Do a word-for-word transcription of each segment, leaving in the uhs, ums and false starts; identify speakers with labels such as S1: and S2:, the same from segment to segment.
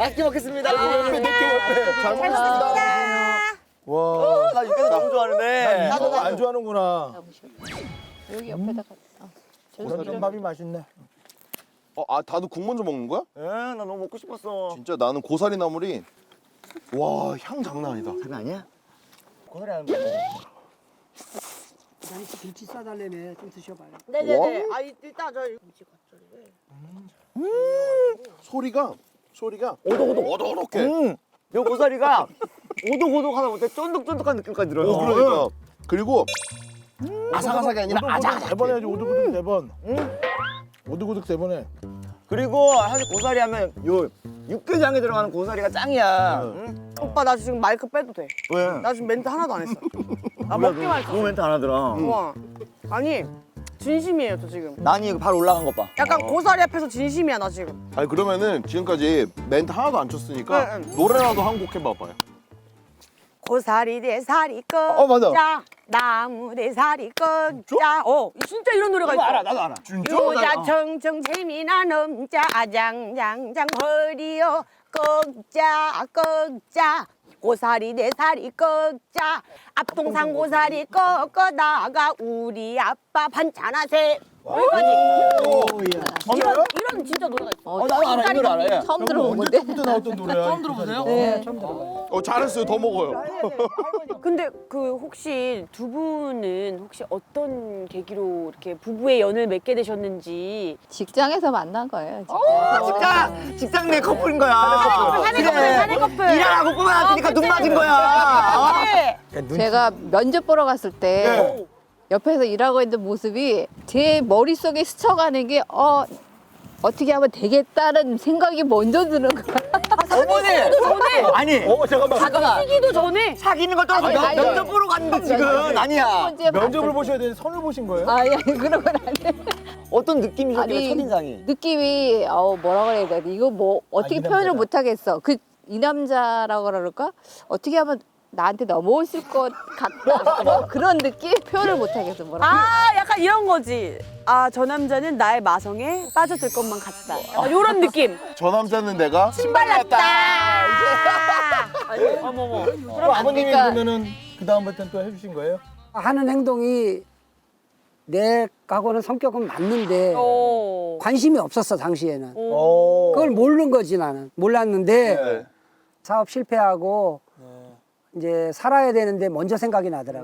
S1: 맛있게 먹겠습니다.
S2: 몇 개, 잘 먹겠습니다. 와,
S1: 나 육개장 너무 좋아하는데.
S2: 나도 안 좋아하는구나.
S3: 여기 옆에다가.
S2: 이런 밥이 맛있네.
S4: 어, 아, 다도 국 먼저 먹는 거야?
S1: 예, 나 너무 먹고 싶었어.
S4: 진짜 나는 고사리 나물이 와, 향 장난 아니다.
S1: 장난 아니야? 고사리 하는 거.
S5: 난 김치 싸달래매 좀 드셔봐요.
S6: 네네네. 아 일단 저 김치 겉절이를.
S4: 소리가 소리가
S1: 오독오독.
S4: 오독오독해.
S1: 음. 요 고사리가 오독오독하다 못해 쫀득쫀득한 느낌까지 들어요.
S4: 어, 그러니까. 그리고 아삭아삭이 아니라 아작아작.
S2: 세번 해야지, 오두구둑 네 번. 오두구둑 세 번 해.
S1: 그리고 사실 고사리 하면 요 육개장에 들어가는 고사리가 짱이야. 응?
S6: 오빠 나 지금 마이크 빼도 돼.
S1: 왜?
S6: 나 지금 멘트 하나도 안 했어. 나 먹기만 했어.
S1: 너 멘트 안 하더라.
S6: 와. 아니 진심이에요 저 지금.
S1: 난이 이거 발 올라간 것 봐.
S6: 약간 고사리 앞에서 진심이야 나 지금.
S4: 아니 그러면은 지금까지 멘트 하나도 안 쳤으니까
S6: 네, 네.
S4: 노래라도 한 곡 해봐봐요.
S6: 고사리 대 사리
S4: 어, 맞아.
S6: 꺾자 나무 대 사리 꺾자. 어 진짜 이런 노래가 있어.
S1: 알아, 나도 알아.
S6: 유자 청청 재미나 넘자 아장장장 허리요 꺾자 꺾자 고사리 내 사리 꺾자 앞동산 고사리 꺾어다가 우리 아빠 반찬하세 여기까지. 이런 이런 진짜 노래가 있어.
S1: 어, 나도 알아, 이 노래 알아. 예.
S3: 처음 들어본 건데.
S2: 언제부터 나왔던 노래야? 처음 들어보세요?
S3: 네.
S4: 어, 잘했어요. 더 먹어요.
S6: 근데 그 혹시 두 분은 혹시 어떤 계기로 이렇게 부부의 연을 맺게 되셨는지.
S3: 직장에서 만난 거예요. 직장.
S1: 어, 직장, 직장 내 커플인 거야.
S6: 사내 커플, 사내 커플.
S1: 일하라고 뽑아놨으니까 눈 맞은 거야.
S6: 네.
S3: 제가 면접 보러 갔을 때
S1: 네.
S3: 옆에서 일하고 있는 모습이 제 머릿속에 스쳐가는 게 어, 어떻게 하면 되겠다는 생각이 먼저 드는 거야.
S1: 어머니.
S6: 전에
S1: 아니,
S2: 어, 잠깐만.
S3: 잠깐만.
S6: 시기도 전에
S1: 사귀는 걸 떠나서
S3: 아니,
S1: 면-
S3: 아니,
S1: 면접 보러 갔는데 지금 아니야.
S3: 번째
S2: 면접을
S3: 봤을
S2: 보셔야 되는데 선을 보신 거예요?
S3: 때. 아니, 아니 그런 건 아니에요.
S1: 어떤 느낌이셨길래
S3: 아니,
S1: 첫인상이?
S3: 느낌이 어 뭐라 그래야 돼? 이거 뭐 어떻게
S2: 이
S3: 표현을
S2: 남자다.
S3: 못 하겠어. 그 이 남자라고 그럴까? 어떻게 하면 나한테 넘어오실 것 같다. 뭐 그런 느낌 표현을 못 하겠어. 뭐라.
S6: 아 약간 이런 거지. 아 저 남자는 나의 마성에 빠져들 것만 같다. 약간 이런 느낌.
S4: 저 남자는 내가
S6: 신발났다. 어머머.
S2: 그럼 아버님이
S3: 그러니까-
S2: 그러면은 그 다음부터는 또 해주신 거예요?
S5: 하는 행동이 내하고는 성격은 맞는데
S6: 오.
S5: 관심이 없었어 당시에는.
S2: 오.
S5: 그걸 모르는 거지 나는. 몰랐는데
S4: 네.
S5: 사업 실패하고 이제 살아야 되는데 먼저 생각이 나더라고.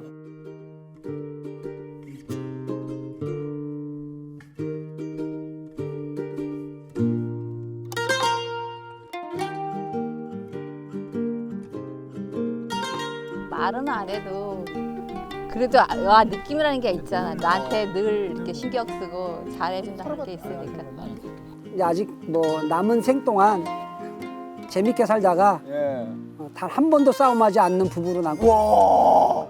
S3: 말은 안 해도 그래도 아, 와, 느낌이라는 게 있잖아. 나한테 늘 이렇게 신경 쓰고 잘해준다는 게 있으니까.
S5: 이제 아직 뭐 남은 생 동안 재밌게 살다가
S1: 예.
S5: 단 한 번도 싸움하지 않는 부부로 남고
S1: 와.